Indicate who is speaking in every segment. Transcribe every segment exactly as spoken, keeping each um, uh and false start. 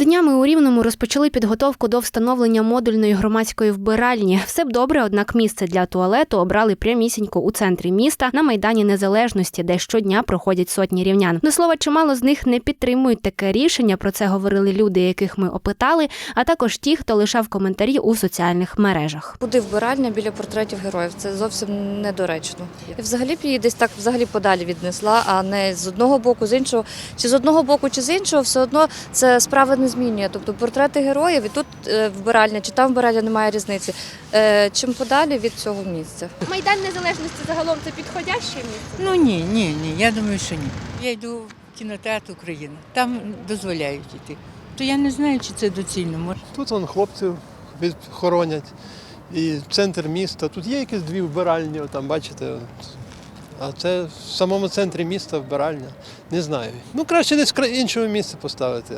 Speaker 1: Днями у Рівному розпочали підготовку до встановлення модульної громадської вбиральні. Все б добре, однак місце для туалету обрали прямісінько у центрі міста на Майдані Незалежності, де щодня проходять сотні рівнян. До слова, чимало з них не підтримують таке рішення, про це говорили люди, яких ми опитали, а також ті, хто лишав коментарі у соціальних мережах.
Speaker 2: Куди вбиральня біля портретів героїв? Це зовсім недоречно. І взагалі б її десь так взагалі подалі віднесла, а не з одного боку, з іншого. Чи з одного боку, чи з іншого, все одно це справа не змінює. Тобто портрети героїв і тут вбиральня, чи там вбиральня, немає різниці. Чим подалі від цього місця.
Speaker 3: Майдан Незалежності загалом це підходяще місце?
Speaker 4: Ну ні, ні, ні, я думаю, що ні. Я йду в кінотеатр Україна, там дозволяють йти. То я не знаю, чи це доцільно. Може.
Speaker 5: Тут вон хлопців хоронять, і центр міста. Тут є якісь дві вбиральні, там бачите. А це в самому центрі міста вбиральня. Не знаю. Ну, краще десь в іншому місці поставити.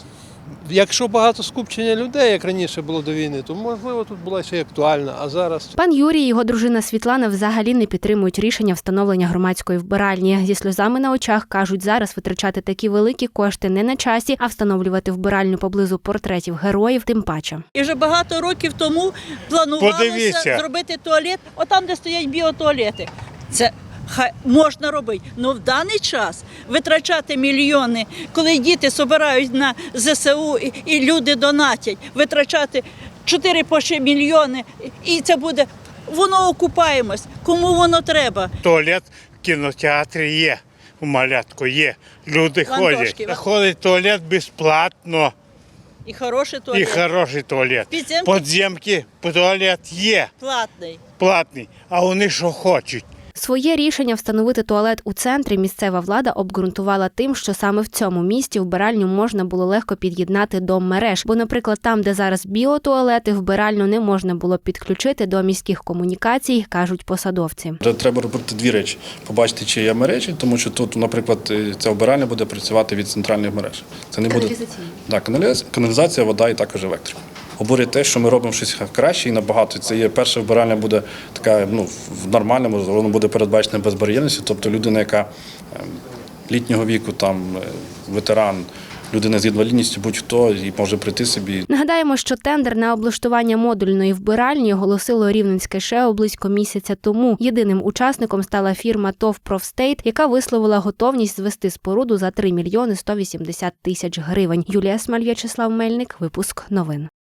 Speaker 5: Якщо багато скупчення людей, як раніше було до війни, то, можливо, тут була ще й актуальна, а зараз…
Speaker 1: Пан Юрій і його дружина Світлана взагалі не підтримують рішення встановлення громадської вбиральні. Зі сльозами на очах кажуть, зараз витрачати такі великі кошти не на часі, а встановлювати вбиральню поблизу портретів героїв тим паче.
Speaker 6: І вже багато років тому планувалося
Speaker 7: Подивіться.
Speaker 6: зробити туалет, отам, де стоять біотуалети. Це хай можна робити, але в даний час витрачати мільйони, коли діти збирають на зе се у і, і люди донатять, витрачати чотири по ще мільйони, і це буде, воно окупаємось, кому воно треба.
Speaker 7: Туалет в кінотеатрі є, у малятку є, люди
Speaker 6: Вантошки.
Speaker 7: ходять. Ходить туалет безплатно
Speaker 6: І хороший туалет,
Speaker 7: і хороший туалет.
Speaker 6: Підземки?
Speaker 7: Подземки, туалет є,
Speaker 6: платний.
Speaker 7: платний, а вони що хочуть.
Speaker 1: Своє рішення встановити туалет у центрі місцева влада обґрунтувала тим, що саме в цьому місті вбиральню можна було легко під'єднати до мереж. Бо, наприклад, там, де зараз біотуалети, вбиральню не можна було підключити до міських комунікацій, кажуть посадовці.
Speaker 8: Треба робити дві речі. Побачити, чи є мережі, тому що тут, наприклад, ця вбиральня буде працювати від центральних мереж. Це не буде да, каналізація, вода і також електрика. Обурює те, що ми робимо щось краще і набагато. Це є перша вбиральня буде така, ну, в нормальному, воно буде передбачена безбар'єрністю, тобто людина, яка літнього віку, там, ветеран, людина з інвалідністю, будь-хто, і може прийти собі.
Speaker 1: Нагадаємо, що тендер на облаштування модульної вбиральні оголосило Рівненське ШЕО близько місяця тому. Єдиним учасником стала фірма ТОВ «Профстейт», яка висловила готовність звести споруду за три мільйони сто вісімдесят тисяч гривень. Юлія Смаль, В'ячеслав Мельник, випуск новин.